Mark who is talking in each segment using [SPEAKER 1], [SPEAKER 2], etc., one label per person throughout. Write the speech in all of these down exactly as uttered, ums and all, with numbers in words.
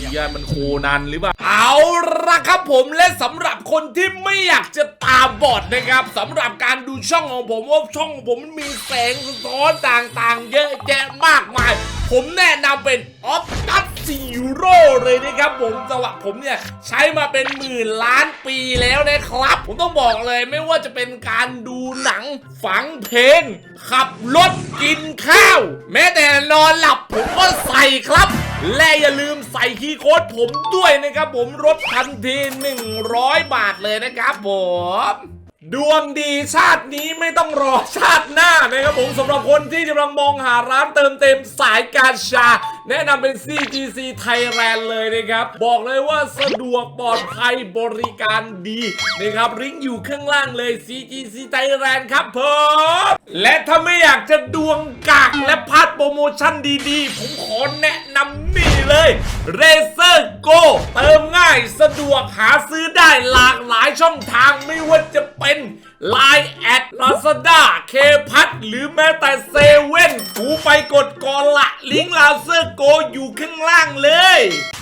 [SPEAKER 1] ยมันโคนันหรือเปล่าเอาละครับผมและสำหรับคนที่ไม่อยากจะตาบอดนะครับสำหรับการดูช่องของผมว่าช่องของผมมันมีแสงสะท้อนต่างๆเยอะแยะมากมายผมแนะนำเป็นออฟตัสซีโร่เลยนะครับผมสำหรับผมเนี่ยใช้มาเป็นหมื่นล้านปีแล้วนะครับผมต้องบอกเลยไม่ว่าจะเป็นการดูหนังฟังเพลงขับรถกินข้าวแม้แต่นอนหลับผมก็ใส่ครับและอย่าลืมใส่คีย์โค้ดผมด้วยนะครับผมลดทันทีหนึ่งร้อยบาทเลยนะครับผมดวงดีชาตินี้ไม่ต้องรอชาติหน้านะครับผมสำหรับคนที่กำลังมองหาร้านเติมเต็มสายการชาแนะนำเป็น ซี จี ซี Thailand เลยนะครับบอกเลยว่าสะดวกปลอดภัยบริการดีนะครับลิงก์อยู่ข้างล่างเลย ซี จี ซี Thailand ครับผมและถ้าไม่อยากจะดวงกากและพลาดโปรโมชั่นดีๆผมขอแนะนำนี่เลย Razer Go เติมง่ายสะดวกหาซื้อได้หลากหลายช่องทางไม่ว่าจะเป็น ไลน์ แอด ลาซาด้า เคพัทหรือแม้แต่เซเว่นกูไปกดก่อนละลิงก์ Razer Go อยู่ข้างล่างเลย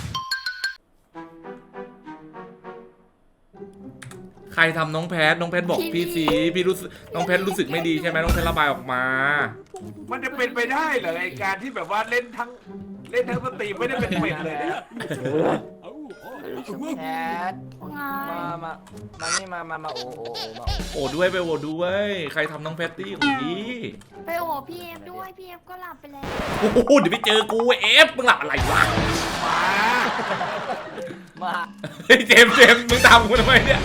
[SPEAKER 1] ใครทำน้องแพทน้องแพทบอกพี่สีพี่รู้สึกน้องแพทรู้สึกไม่ดีใช่ไหมน้องแพทระบายออกมา
[SPEAKER 2] มันจะเป็นไปได้เหรอไอการที่แบบว่าเล่นทั้งเล่นทั้งสตรีมไม่ได้เป็นเป็ดเลยเนี่ย
[SPEAKER 3] แพทมามามานี่มามามาโอโอโอมา
[SPEAKER 1] โอ้ด้วยไปโอ้ด้วยใครทำน้องแพตตี้ของพี่
[SPEAKER 4] ไปโอ้พี่เอฟด้วยพี่เอฟก็หลับไปแล้ว
[SPEAKER 1] โอ้โหเดี๋ยวไปเจอกูเอฟมึงหลับอะไรวะ
[SPEAKER 2] มา
[SPEAKER 3] มา
[SPEAKER 1] เจมเจมมึงตามกูทำไมเนี่ย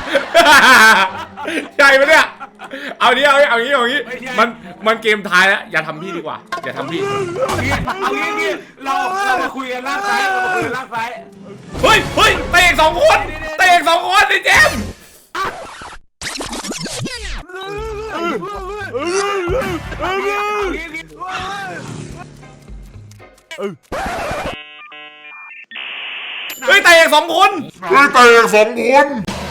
[SPEAKER 1] ใช่ไหมเนี่ยเอานี้เอาเอางี้เอางี้มันมันเกมท้ายแล้วอย่าทำพี่ดีกว่าอย่าทำพี่
[SPEAKER 2] เอางี้เอางี้เราเรามาคุยกันล่างซ้ายเรามาคุยกันล่างซ้าย
[SPEAKER 1] เฮ้ยเฮ้ยเตะสองคนเตะสองคนไอ้เจมเฮ้ยเตะสองคน
[SPEAKER 5] เฮ้ยเตะสองคน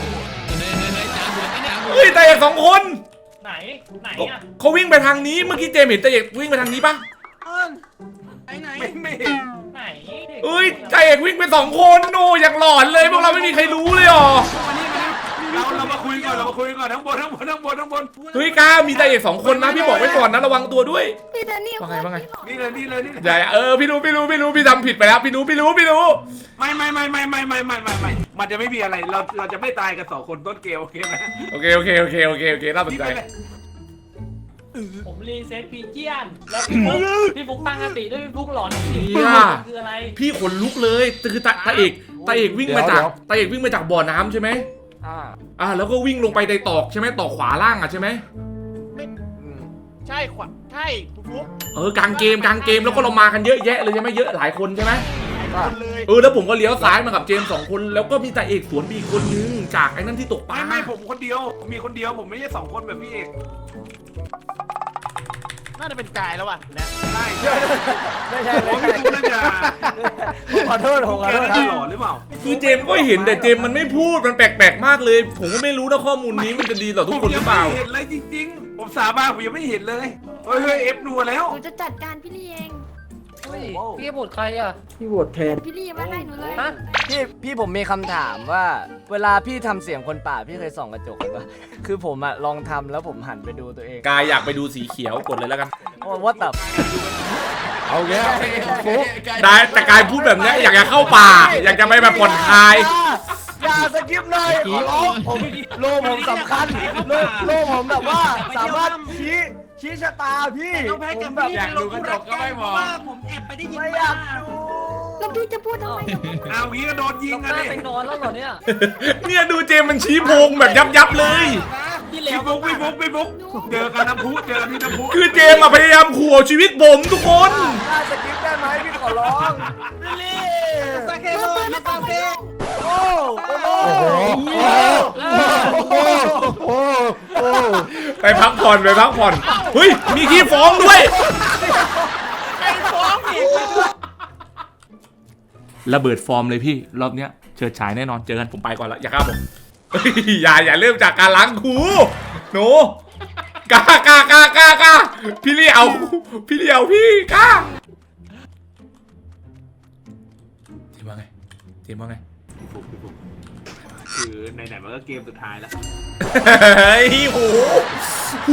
[SPEAKER 1] เฮ้ยเตะสองคน
[SPEAKER 3] ไหนไหนอ่ะ
[SPEAKER 1] เขาวิ่งไปทางนี้เมื่อกี้เจมเห็นเตะวิ่งไปทางนี้ปะ
[SPEAKER 2] ไหนไหนไม่เห็น
[SPEAKER 3] ไหน
[SPEAKER 1] เอ้ยใจเอกวิ่งไปสองคนโน่อย่างหลอนเลยพวกเราไม่มีใครรู้เลยอ๋อ
[SPEAKER 2] เราเรามาคุยก่อนเรามาคุยก่อนทั้งบนทั้งบนทั้งบนทั้งบน
[SPEAKER 1] เฮ้ยก้ามีใจเอกสองคนนะพี่บอกไว้ก่อนนะระวังตัวด้วย
[SPEAKER 4] พี่แดนนี่
[SPEAKER 1] ว่าไงว่าไง
[SPEAKER 2] นี่เลยนี่เลยนี่
[SPEAKER 1] ใหญ่เออพี่รู้พี่รู้พี่รู้พี่ทำผิดไปแล้วพี่รู้พี่รู้พี่รู้
[SPEAKER 2] ไม่ไม่ไม่ไม่ไม่ไม่ไม่ไม่ไม่มันจะไม่มีอะไรเราเราจะไม่ตายกันสองคนต้นเกมโอเคไหม
[SPEAKER 1] โอเคโอเคโอเคโอเคโอเคน่าสนใจ
[SPEAKER 3] ผมรีเซ็ตพีเจียนแล้วพี่ฟุ๊กพี่ฟุ๊กตั้งสติด้วยพี่ฟุ๊กหลอนสีคืออะไร
[SPEAKER 1] พี่ขนลุกเลยคือตาตาเอกตาเอกวิ่งมาจากตาเอกวิ่งมาจากบ่อน้ำใช่ไหมอ่าอ่าแล้วก็วิ่งลงไปในตอกใช่ไหมตอกขวาล่างอ่ะใช่ไหม
[SPEAKER 3] ไม่ใช่ขวาใช่คุณฟุ๊ก
[SPEAKER 1] เออกลางเกมกลางเกมแล้วก็เรามากันเยอะแยะเลยใช่ไหมเยอะหลายคนใช่ไหมเออแล้วผมก็เลี้ยวซ้ายมากับเจมสองคนแล้วก็มีตาเอกสวนบีคนนึงจากไอ้นั่นที่ตกปลา
[SPEAKER 2] ไม่ไม่ผมคนเดียวมีคนเดียวผมไม่ใช่สองคนแบบพี่เอก
[SPEAKER 3] น่าจะเป็นกายแล้วอ่ะ
[SPEAKER 2] นะใช่ใช่
[SPEAKER 3] ไม่ใช่
[SPEAKER 2] ผมไม่รู้นะจ๊ะ
[SPEAKER 3] ขอโทษผมขอโทษ
[SPEAKER 2] หล่อหรือเปล่า
[SPEAKER 1] คือเจมก็เห็นแต่เจมมันไม่พูดมันแปลกๆมากเลยผมก็ไม่รู้นะข้อมูลนี้มันจะดีต่อทุกคนหรือเปล่า
[SPEAKER 2] ผมยังไม่เห็นเลยจริงๆผมสาบานผมยังไม่เห็นเลยเฮ้ยเฮ้ยเอฟนัวแล้ว
[SPEAKER 4] หนูจะจัดการพี่ลี่เอง
[SPEAKER 3] พี่บทใครอ่ะ
[SPEAKER 6] พี่บทแทน
[SPEAKER 4] พี่ลี่มาให้หนูเลย
[SPEAKER 3] พี่พี่ผมมีคำถามว่าเวลาพี่ทำเสียงคนป่าพี่เคยส่องกระจกป่ะคือผมอะลองทำแล้วผมหันไปดูตัวเอง
[SPEAKER 1] กายอยากไปดูสีเขียวกดเลยแล้วกัน
[SPEAKER 3] ว่าตับ
[SPEAKER 1] เอาแค่ได้แต่กายพูดแบบนี้อยากจะเข้าป่าอยากจะไปแบบผ่อนคลาย
[SPEAKER 3] อย่าสกิปเลยขอร้องผมโลผมสำคัญโลโลผมแบบว่าสามารถชี้ชี้ชะตาพี่
[SPEAKER 2] ผมแบบอยากดูกระจกก็ไม่มอง
[SPEAKER 3] ผมแอบไปได้ยินไม่อยากดู
[SPEAKER 4] แล้วพี่จะพูดทำไม
[SPEAKER 2] เอางี้ก็โดนยิงกัน
[SPEAKER 3] เลยไปนอนแล้วเหรอเนี่ย
[SPEAKER 1] เนี่ยดูเจมมันชี้โพงแบบยับยับเลย
[SPEAKER 2] พี่บุ๊กพี่บุ๊กพี่บุ๊กเจอกันน้ำพุเจอกันที่น้ำพุ
[SPEAKER 1] คือเจมอะพยายามขู่ชีวิตผมทุกคน
[SPEAKER 3] น่าสกิปได้ไหมพี่ขอร้องลิลี่สกิปเลยไม่ต้องเพ่โอ้โห
[SPEAKER 1] ไปพักผ่อนไปพักผ่อนเฮ้ยมีขี้ฟ้องด้วย
[SPEAKER 3] ใครฟ้องอีก
[SPEAKER 1] ระเบิดฟอร์มเลยพี่รอบเนี้ยเฉิดฉายแน่นอนเจอกันผมไปก่อนละอย่าฆ่าผมอย่าอย่าเริ่มจากการล้างคูหนูกล้ากล้ากล้ากล้ากล้าพี่เลี้ยวพี่เลี้ยวพี่กล้าที่ว่าไงเจมส์ว่าไง
[SPEAKER 2] พี่ฟุกพี่ฟุกคือไหนๆมันก็เกมสุดท้ายแล้ว
[SPEAKER 1] เฮ้ยโหโห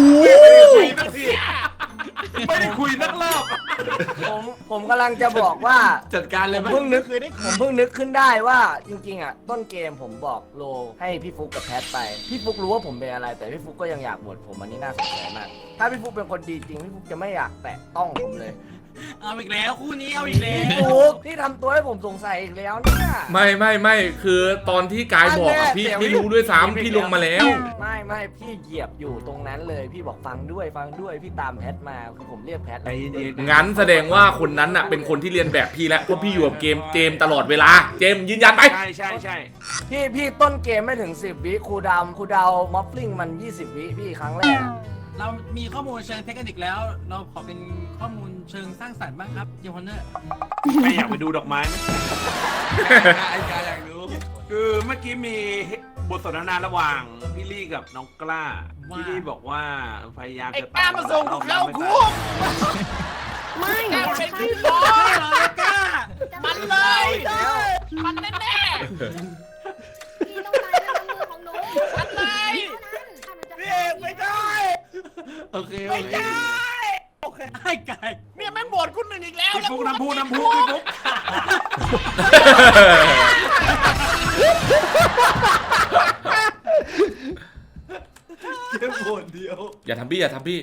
[SPEAKER 2] ไม่ได้คุยนักรอบ
[SPEAKER 3] ผมผมกำลังจะบอกว่า
[SPEAKER 2] จัดการเลยไหม
[SPEAKER 3] ผมเพิ่งนึกผมเพิ่งนึกขึ้นได้ว่าจริงๆอ่ะต้นเกมผมบอกโลให้พี่ฟุกกับแพทไปพี่ฟุกรู้ว่าผมเป็นอะไรแต่พี่ฟุกก็ยังอยากบวชผมอันนี้น่าสนใจมากถ้าพี่ฟุกเป็นคนดีจริงพี่ฟุกจะไม่อยากแตะต้องผมเลย
[SPEAKER 6] เอาอีกแล้วคู่นี้เอาอีกแล้
[SPEAKER 3] พี่
[SPEAKER 6] ว
[SPEAKER 3] ฟุกที่ทำตัวให้ผมสงสัยอีกแล้วเนี่ย
[SPEAKER 1] ไม่ไม่ไม่คือตอนที่กายบอกอะพี่
[SPEAKER 3] อันแน่
[SPEAKER 1] พี่รู้ด้วยซ้ำพี่ลงมาแล้ว
[SPEAKER 3] ไม่ไม่พี่เหยียบอยู่ตรงนั้นเลยพี่บอกฟังด้วยฟังด้วยพี่ตามแพทมาคือผมเรียกแพท
[SPEAKER 2] ใจเย็นๆ
[SPEAKER 1] งั้นแสดงว่าคนนั้นน่ะเป็นคนที่เรียนแบบพี่แล้วเพราะพี่อยู่กับเกมเจมส์ตลอดเวลาเจมส์ยืนยันไป
[SPEAKER 2] ใช่ใช่ใช่
[SPEAKER 3] พี่พี่ต้นเกมไม่ถึงสิบวิครูดาวครูดาวมอฟลิงมันยี่สิบวิพี่ครั้งแรก
[SPEAKER 6] เรามีข้อมูลเชิงเทคนิคแล้ว เราขอเป็นข้อมูลเชิงสร้างสรรค์บ้างครับเจมอนเนอร์
[SPEAKER 2] ไม่อยากไปดูดอกไม้ไหม
[SPEAKER 6] ไอ้กายอยากรู้
[SPEAKER 2] คือเมื่อกี้มีบทสนทนาระหว่างพี่ลี่กับน้องกล้าพี่ลี่บอกว่าพยายามจะตามมาส่งเข้าคุก
[SPEAKER 4] ไม่อยากใช่
[SPEAKER 6] โอ้ยเหรอกล้า
[SPEAKER 4] มัน
[SPEAKER 6] เลย
[SPEAKER 4] มันแน่แน่พี่ต้องตายด้วยน้ำมือของหนูมันเลยพี่เอกไม่ได้
[SPEAKER 2] โอเคโอเค
[SPEAKER 6] โอเคไอ้กายเนี่ยแม่งบทคุณหนึ่งอีกแล้ว
[SPEAKER 2] พี่ฟุกน้ำพุน้ำพุพี่ฟุก
[SPEAKER 6] แค่บทเดียว
[SPEAKER 1] อย่าทำพี่อย่าทำพี่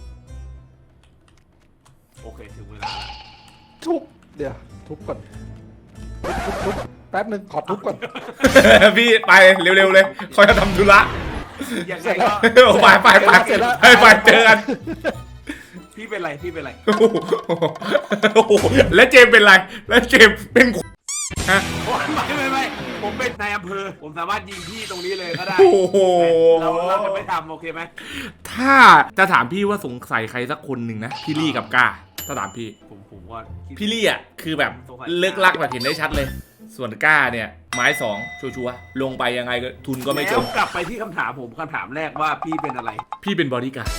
[SPEAKER 2] โอเคถึงเวลา
[SPEAKER 7] ทุบเดี๋ยวทุบก่อนทุบทุบแป๊บนึงขอทุบก่อน
[SPEAKER 1] พี่ไปเร็วๆเลยคอยจะทำธุระ
[SPEAKER 2] ยังไงก็
[SPEAKER 1] ไปไปไปไปไปเจอกัน
[SPEAKER 2] พี่เป็นไรพี่เป็นไร
[SPEAKER 1] โอ้โหแล้วเจมส์เป็นไรแล้วเจมส์เป็นฮะ
[SPEAKER 2] ไม่ไม่ไม่ผมเป็นนายอำเภอผมสามารถยิงพี่ตรงนี้เลยก็ได้
[SPEAKER 1] โอ้โห
[SPEAKER 2] เราเราจะไม่ทำโอเคไหม
[SPEAKER 1] ถ้าจะถามพี่ว่าสงสัยใครสักคนหนึ่งนะพี่ลี่กับก้าถ้าถามพี่
[SPEAKER 2] ผมผมว่าคิด
[SPEAKER 1] พี่ลี่อ่ะคือแบบเลิกลักแบบเห็นได้ชัดเลย ส่วนก้าเนี่ยไม้สองชัวร์ๆลงไปยังไงก็ทุนก็ไม่จ
[SPEAKER 2] แล้ว
[SPEAKER 1] ม
[SPEAKER 2] กลับไปที่คำถามผมคำถามแรกว่าพี่เป็นอะไร
[SPEAKER 1] พี่เป็นบอดี้การ์ด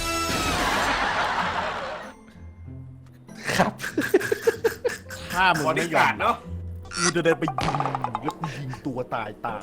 [SPEAKER 7] ครับ
[SPEAKER 8] ถ้ามึง
[SPEAKER 2] บอ
[SPEAKER 8] ไม่
[SPEAKER 2] ดี้
[SPEAKER 8] ยอ
[SPEAKER 2] การ์
[SPEAKER 8] ม
[SPEAKER 2] ดเนาะ
[SPEAKER 8] กูจะเดินไปยิงแล้วกูยิงตัวตายตาม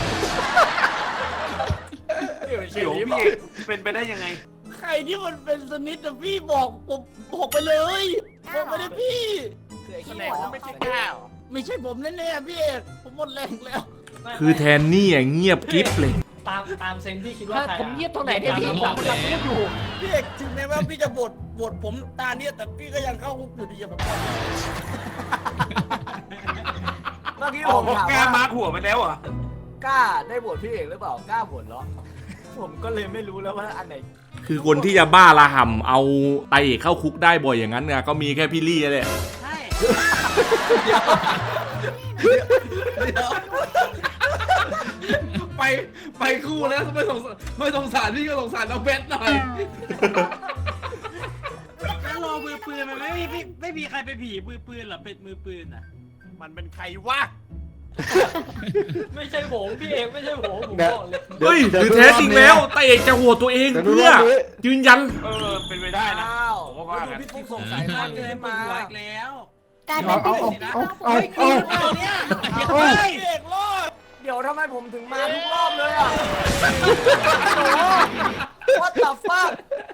[SPEAKER 2] เดี๋ยวพี่เอกเป็นไปได้ยังไง
[SPEAKER 6] ใครที่มันเป็นสนิทอะพี่บอกผมบอกไปเลยบอกไปเลยพี่
[SPEAKER 3] แสดงว่าไม่ใช่ก้าว
[SPEAKER 6] ไม่ใช่ผมแน่ๆพี่เอกผมหมดแรงแล้ว
[SPEAKER 1] คือแทนนี่อ่ะเงียบกริฟเลย
[SPEAKER 9] ตามตามเซนที่คิดว่าใคร
[SPEAKER 3] ผมเงียบตรงไหนเนี่ยพี่ผมกำลังพูดอยู่
[SPEAKER 6] พี่เอกถึงแม้ว่าพี่จะบทบทผมตาเนี่ยแต่พี่ก็ยังเข้าคุกอยู่ดีอะผมบอก
[SPEAKER 3] เมื่อกี้
[SPEAKER 2] อ๋
[SPEAKER 3] ผ
[SPEAKER 2] อ
[SPEAKER 3] ม
[SPEAKER 2] เพราะ
[SPEAKER 3] ถาม
[SPEAKER 2] แก
[SPEAKER 3] ว่า
[SPEAKER 2] มาร์คหัวไปแล้วเหรอ่ะ
[SPEAKER 3] กล้าได้บวชพี่เอกหรือเปล่ากล้าบวชเหรอ ผมก็เลยไม่รู้แล้วว่าอันไหน
[SPEAKER 1] คือคนที่จะบ้าระห่ำเอาไตเอกเข้าคุกได้บ่อยอย่างนั้นเนี่ยก็มีแค่พี่ลี่แหละ
[SPEAKER 6] ใช่
[SPEAKER 2] ไปไปคู่แล้วไม่สงสารไม่สงสารพี่ก็สงสารน้องเบสหน่อย
[SPEAKER 6] แล้วรอมือปืนมันไม่มีพี่ไม่มีใครไปผีมือปืนหรอเป็นมือปืนอ่ะ
[SPEAKER 8] มันเป็นใครวะ
[SPEAKER 9] ไม่ใช่ผมพี่เอกไม่ใช่ผมผมบอกเลย
[SPEAKER 1] เฮ้ยหรือแท้จริงแล้วไตเอกจะโหวตตัวเองเพื่อยืนยัน
[SPEAKER 2] เออเป็นไปได้นะ
[SPEAKER 3] อ้าว
[SPEAKER 2] ผมก็ว่ากัน
[SPEAKER 3] พี่ฟุกสงสัยมาก
[SPEAKER 6] เกิ
[SPEAKER 3] ขึ้
[SPEAKER 6] น
[SPEAKER 3] น
[SPEAKER 6] มา
[SPEAKER 3] มา
[SPEAKER 6] อีกแล้ว
[SPEAKER 4] กลายเป็นพี่เอก
[SPEAKER 7] เอาเอาเอา
[SPEAKER 6] เนี่ย
[SPEAKER 7] เอา
[SPEAKER 6] พี่เอกรอด
[SPEAKER 3] เดี๋ยวทำไมผมถึงมาทุกรอบเลยอ่ะว่าตับฟัก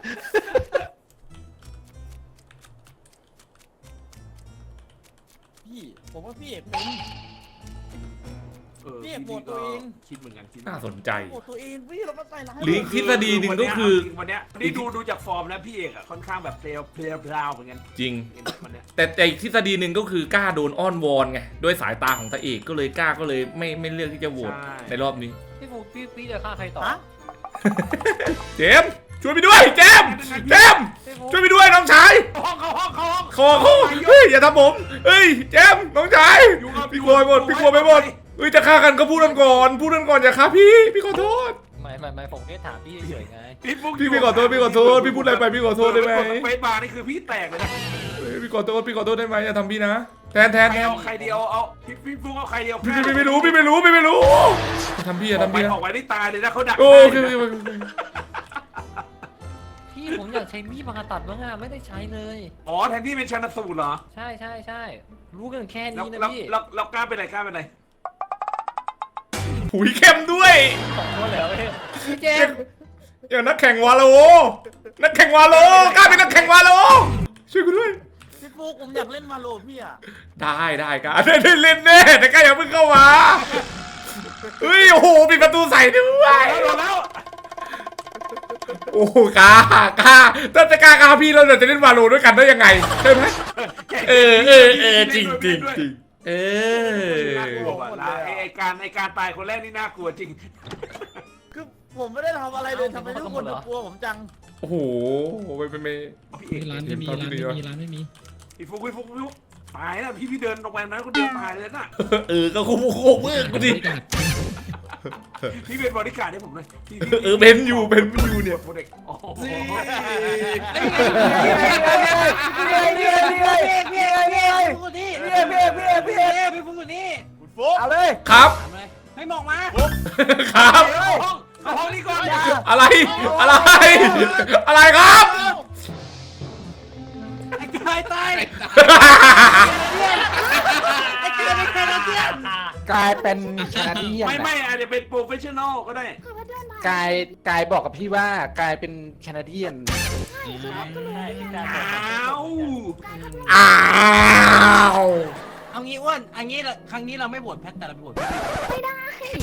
[SPEAKER 6] พี่ผมว่าพี่เอกเป็น
[SPEAKER 2] เออ
[SPEAKER 6] พี่เอกโหวตตัวเอง
[SPEAKER 2] คิดเหมือนกันคิด
[SPEAKER 1] น่าสนใจ
[SPEAKER 6] โอ้ตัวเองพี่เรามาใส่ร้าย
[SPEAKER 1] หรือทฤษฎีหนึ่งก็คือ
[SPEAKER 2] วันเนี้ยนี่ดูดูจากฟอร์มแล้วพี่เอกอะค่อนข้างแบบเพลียวเพลียวเพลวเหมือนกัน
[SPEAKER 1] จริง
[SPEAKER 2] วันเนี้ย
[SPEAKER 1] แต่แต่อีกทฤษฎีหนึ่งก็คือกล้าโดนอ้อนวอนไงด้วยสายตาของตาเอกก็เลยกล้าก็เลยไม่ไม่เลือกที่จะโหวตในรอบนี้
[SPEAKER 9] พี่ฟุกพี่พี่จะฆ่าใครต่อ
[SPEAKER 1] เจมส์ช่วยไปด้วยเจมส์เจมส์ช่วยไปด้วยน้องชาย
[SPEAKER 2] ห้องเขาห้องเขาห้อง
[SPEAKER 1] ขอเขาเฮ้ยอย่าทำผมเฮ้ยเจมส์น้องชายพี่กลัวไปหมดพี่กลัวไปหมดเฮ้ยจะฆ่ากันก็พูดกันก่อนพูดกันก่อนอย่าฆ่าพี่พี่ขอโทษ
[SPEAKER 9] ไม่ไม่ไม่ผมแค่ถามพี่เฉยๆไง
[SPEAKER 2] พี่ฟุ๊ก
[SPEAKER 1] พี่พี่ขอโทษพี่ขอโทษพี่พูดอะไรไปพี่ขอโทษได้ไหม
[SPEAKER 2] เฟซบาร์นี่คือพี่แตกเลยนะ
[SPEAKER 1] เฮ้ยพี่ขอโทษพี่ขอโทษได้ไหมอย่าทำพี่นะแทนแทน
[SPEAKER 2] ใคร
[SPEAKER 1] แทน
[SPEAKER 2] เอาใครเดียวเอาพี่พี่ฟุ๊กเอาใครเดียว
[SPEAKER 1] พี่พี่ไม่รู้พี่ไม่รู้พี่ไม่รู้อย่าทำพี่อย่า
[SPEAKER 2] ออก
[SPEAKER 1] ทำ
[SPEAKER 2] ไป
[SPEAKER 1] พี่นะ
[SPEAKER 2] ออกไปได้ตายเลยนะเขาดัก
[SPEAKER 1] โอเค
[SPEAKER 2] ได้
[SPEAKER 1] โอ
[SPEAKER 2] นะ
[SPEAKER 1] เคโอเค
[SPEAKER 9] พี่ผมอยากใช้มีดผ่าตัดบ้างอะไม่ได้ใช้เลย
[SPEAKER 2] อ๋อแทนที่เป็นชันสูตรเหรอ
[SPEAKER 9] ใช่ใช่ใช่รู้กันแค่
[SPEAKER 2] แล้ว
[SPEAKER 9] นี้นะ
[SPEAKER 2] แล้ว
[SPEAKER 9] พี่
[SPEAKER 2] แล้วแล้วกล้าเป็นไรกล้าเป็นไร
[SPEAKER 1] หุยเข้มด้วย
[SPEAKER 9] สองคนเลยเหรอพี่
[SPEAKER 3] พี่เจมส์
[SPEAKER 1] อย่างนักแข่งวาโลนักแข่งวาโลกล้าเป็นนักแข่งวาโลช่วยกูด้วย
[SPEAKER 9] พี่ฟุกผมอยากเล่นมาโลพี่อ่ะ
[SPEAKER 1] ได้ได้กล้าได้ได้เล่นแน่แต่กล้าอย่าเพิ่งเข้ามาเฮ้ยโอ้โหปิดประตูใส่ด้วย
[SPEAKER 2] โดนแล้ว
[SPEAKER 1] โอ้โหกล้ากล้าถ้าจะกล้ากล้าพี่เราจะเล่นวาโลด้วยกันได้ยังไงใช่ไหมเออเออเออจริงจริงจริงเออ
[SPEAKER 2] น่ากลัวว่ะละไอ้ไอ้การไอ้การตายคนแรกนี่น่ากลัวจริง
[SPEAKER 9] คือผมไม่ได้ทำอะไรเลยทำไมทุกคนกลัวผมจัง
[SPEAKER 1] โอ้โหไปไปไป
[SPEAKER 2] พี่เอก
[SPEAKER 10] ร้านไม่มีร้านไม่มีร้านไม่มี
[SPEAKER 2] พี่ฟุกพี่ฟุกพี่ฟุกตายแล้วพี่พี่เดินลงไปนั้นคนเดียวตายเลยน่ะ
[SPEAKER 1] เออก็โคโคเวอร์กูดิ
[SPEAKER 2] พี่เป็นบริการให้ผมเลยพี่
[SPEAKER 1] เออเบนอยู่เบนอยู่เนี่ย
[SPEAKER 2] โปรเด็กโอ้โห
[SPEAKER 3] นี่ไงนี่ไงนี่ไงนี่ไงนี่ไงนี่ไง
[SPEAKER 9] พี่ฟุกนี่
[SPEAKER 3] พี่เอกพี่เอกพี่เอกพี่เอก
[SPEAKER 9] พี่ฟุกอยู่นี่
[SPEAKER 3] เอาเลย
[SPEAKER 1] ครับ
[SPEAKER 9] ให้มองมา
[SPEAKER 1] ครับ
[SPEAKER 2] เข้าห้องเข้าห้องนี้ก่อน
[SPEAKER 1] อะไรอะไรอะไรครับ
[SPEAKER 9] ไอ้กายตายไอ้กายเป็นแคนาเดียน
[SPEAKER 7] กลายเป็นแคนาเดียน
[SPEAKER 2] ไม่ไม่อาจจะเป็นโปรเฟชชั่นอลก็ได้
[SPEAKER 4] คือว่าเดินมาก
[SPEAKER 7] ายกายบอกกับพี่ว่ากลายเป็นแคนาเดียน
[SPEAKER 2] อ้าว
[SPEAKER 1] อ้าว
[SPEAKER 6] เอางี้อ้วนอันนี้เราครั้งนี้เราไม่โหวตแพทแต่เราไปโหวตพี่
[SPEAKER 4] ไม่ได้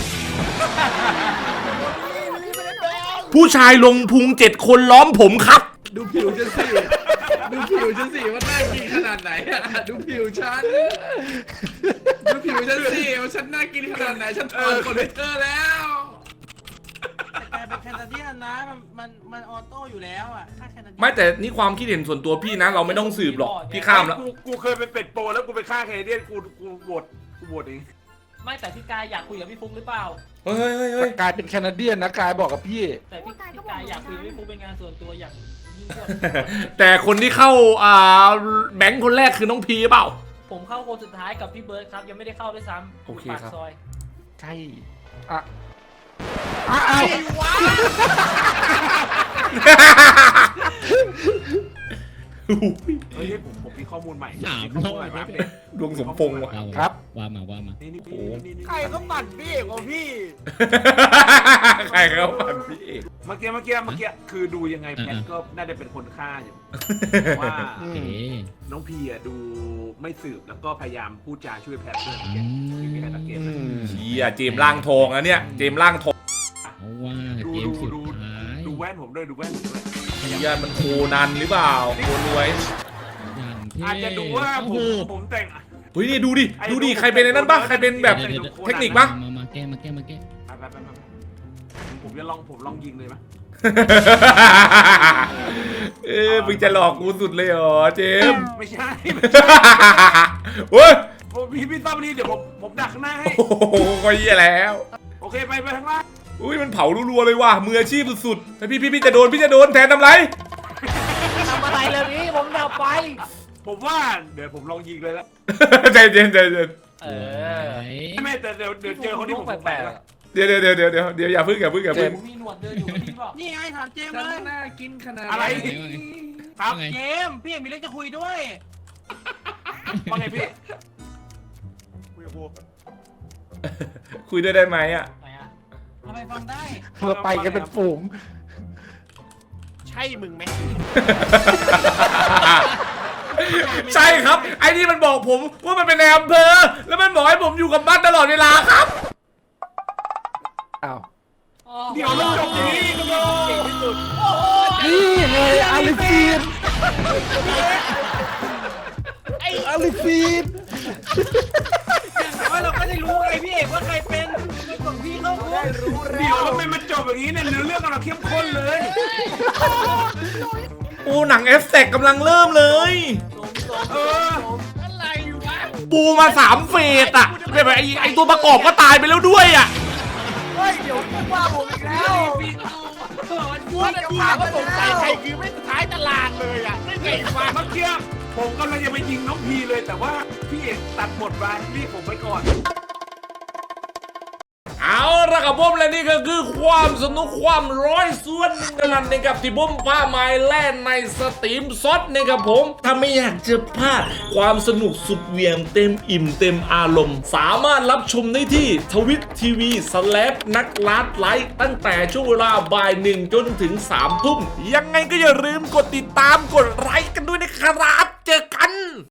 [SPEAKER 1] ผู้ชายลงพุงเจ็ดคนล้อมผมครับ
[SPEAKER 10] ดูผิวฉันสิดูผิวฉันสิว่าน่ากินขนาดไหนอะดูผิวฉันดูผิวฉันสิว่าฉันน่ากินขนาดไหนฉันทนคอมพิวเตอร์แล้ว
[SPEAKER 6] แต่กลายเป็นแคนาเดียนนะมันมันมันออโต้อยู่แล้วอ่ะถ้าแคนาเดียน
[SPEAKER 1] ไม่แต่นี่ความคิดเห็นส่วนตัวพี่นะ เราไม่ต้องสืบหรอกพี่ข้ามแล้ว
[SPEAKER 2] กูกูเคยเป็นเป็ดโปรแล้วกูไปฆ่าแคนาเดียนกูกูโหวตกูโหวตเอง
[SPEAKER 9] ไม่แต่พี่กายอยากคุยกับพี่ฟุกหรือเปล่า
[SPEAKER 1] เฮ้ยเฮ้ยเฮ้ย
[SPEAKER 7] กลายเป็นแคนาเดียนนะกายบอกกับพี่
[SPEAKER 9] แต่พี่พี่กายอยากคุยกับพี่ฟุกเป็นงานส่วนตัวอย่างยิ่งยวด
[SPEAKER 1] แต่คนที่เข้าอ่าแบงค์คนแรกคือน้องพีเปล่า
[SPEAKER 9] ผมเข้าคนสุดท้ายกับพี่เบิร์ดครับยังไม่ได้เข้าด้วยซ้ำ
[SPEAKER 1] โอเค
[SPEAKER 9] ปาก
[SPEAKER 1] ครับ
[SPEAKER 9] ซอย
[SPEAKER 7] ใช่อ่ะอ่ะอ้าว
[SPEAKER 2] เฮ้ยผมผมมีข้อมูลใหม่
[SPEAKER 10] สาม
[SPEAKER 2] ข้อมูลใหม่
[SPEAKER 10] รอบ
[SPEAKER 2] มา
[SPEAKER 10] แล้ว
[SPEAKER 2] เนี่ย
[SPEAKER 1] ดวงสมพงษ์ว่ะ
[SPEAKER 7] ครับ
[SPEAKER 10] ว่ามาว่ามา
[SPEAKER 2] นี่นี่นี่นี่
[SPEAKER 3] ใครก็ปั่นพี่เอกของพี่
[SPEAKER 1] ใครเขาปั่นพี่เอก
[SPEAKER 2] เมื่อกี้เมื่อกี้เมื่อกี้คือดูยังไงแพทก็น่าจะเป็นคนฆ่าอยู่ว่า
[SPEAKER 10] โอเค
[SPEAKER 2] น้องพีอ่ะดูไม่สืบแล้วก็พยายามพูดจาช่วยแพทด้วย
[SPEAKER 10] อื
[SPEAKER 2] ที่มีใคร
[SPEAKER 10] ม
[SPEAKER 2] สังเกตไหม
[SPEAKER 1] เชียเจมส์ล่างทองอะเนี่ยเจมส์ล่างทอง
[SPEAKER 10] เอาว่า
[SPEAKER 2] ดู
[SPEAKER 10] เกม
[SPEAKER 2] ดู
[SPEAKER 10] สุด
[SPEAKER 2] ดู
[SPEAKER 10] ท้าย
[SPEAKER 2] ดูแว่นผมด้วยดูแว่นผมด้วย
[SPEAKER 1] เชียมันโคนันหรือเปล่าโคนรวย
[SPEAKER 10] อย่างเท่
[SPEAKER 2] อาจจะดูว่าผ
[SPEAKER 10] โอ้โห
[SPEAKER 2] มผมแต่ง
[SPEAKER 1] เฮ้ยนี่ดูดิดูดิใครเป็นไอ้นั่นปะใครเป็นแบบ
[SPEAKER 10] เดี๋ยวเดี๋ยว
[SPEAKER 1] เทคนิคปะ
[SPEAKER 10] มามาแก้มาแก้มาแก้
[SPEAKER 2] ไปไปไปไปผมจะลองผมลองยิงเลยไหม
[SPEAKER 1] เออมึงจะหลอกกูสุดเลยเหรอเจมส์
[SPEAKER 2] ไม่ใช่
[SPEAKER 1] เฮ้ย
[SPEAKER 2] ผมพี่พี่ต้อมนี่เดี๋ยวผมผมดักข้างหน้าให้
[SPEAKER 1] โอ้โหก็เหี้ยแล้ว
[SPEAKER 2] โอเคไปไปข้างล่าง
[SPEAKER 1] อุ้ยมันเผารัวๆเลยว่ะมืออาชีพสุดๆแต่พี่พี่พี่จะโดนพี่จะโดนแทนทำไร
[SPEAKER 3] ทำอะไรเลยพี่ผมดับไฟ
[SPEAKER 2] ผมว่าเดี๋ยวผมลองยิงเลยละ
[SPEAKER 1] ใจเย็นใจเย็น
[SPEAKER 9] เอ
[SPEAKER 10] ไหน
[SPEAKER 9] อ
[SPEAKER 2] ไม่แต่เดี๋ยวเดี๋ยวเจอคนที่ผมสงสัยละ
[SPEAKER 1] เดี๋ยวเดี๋ยวเดี๋ยวเดี๋ยวเดี๋ยวเดี๋ยวอย่าพึ่งอย่าพึ่งอย่าพึ่ง
[SPEAKER 9] มีหนวดเดินอยู่กับพี่บอก
[SPEAKER 6] นี่ไงถามเจมส์เลย
[SPEAKER 10] น่ากินขนาด
[SPEAKER 2] อะไร ครับ
[SPEAKER 10] ว่าไง
[SPEAKER 6] เจมส์พี่เอกมีเรื่องจะคุยด้วย
[SPEAKER 2] ว่าไงพี่
[SPEAKER 1] คุยด้วยได้ไหมอ่ะ
[SPEAKER 9] ไหนอะ
[SPEAKER 6] ทำไมฟังได้
[SPEAKER 7] เราไปกันเป็นฝูง
[SPEAKER 9] ใช่มึงไหม
[SPEAKER 1] ใช่ครับ ไอ้นี่มันบอกผมว่ามันเป็นในอำเภอแล้วมันบอกให้ผมอยู่กับบ้านตลอดเวลาครับ
[SPEAKER 7] อ้าว
[SPEAKER 2] เดี๋ยวมันจบอย่างนี้ก็โดน
[SPEAKER 7] นี่ไงอาลิฟีนอาลิฟีน
[SPEAKER 6] แต่ว่าเราก็ได้รู้ไงพี่เอกว่าใครเป็นไม่กดพี่เข้าคุก
[SPEAKER 2] เดี๋ยวทำไมมันจบอย่างนี้เนี่ยเนื้อเรื่องกำลังเข้มข้นเลย
[SPEAKER 1] โอ้หนังเอฟเฟกต์กำลังเริ่มเลย
[SPEAKER 2] เออ
[SPEAKER 1] ปูมาสามเฟสอ่ะแบบไอ้ไอ้ตัวประกอบก็ตายไปแล้วด้วยอ่ะ
[SPEAKER 3] เฮ้ยเดี๋ยวพูดว่าผมอีกแล้ว
[SPEAKER 9] ว่าจะถามว่าสงสัยใครคือไม่ท้ายตลาดเลยอ่ะไม่เก่งกว่า
[SPEAKER 2] เมื่อกี้ผมกำลังจะไปยิงน้องพีเลยแต่ว่าพี่เอกตัดบทมารีบผมไปก่อน
[SPEAKER 1] เเอาละครับผมและนี่ก็คือความสนุกความร้อยส่วนหนึ่งเท่านั้นนะครับที่ผมพาไม้แล่นในสตรีมซดนะครับผมถ้าไม่อยากจะพลาดความสนุกสุดเหวี่ยงเต็มอิ่มเต็มอารมณ์สามารถรับชมได้ที่ทวิตทีวีสแลปนักลัดไลฟ์ตั้งแต่ช่วงเวลาบ่ายหนึ่งจนถึงสามทุ่มยังไงก็อย่าลืมกดติดตามกดไลค์กันด้วยนะครับเจอกัน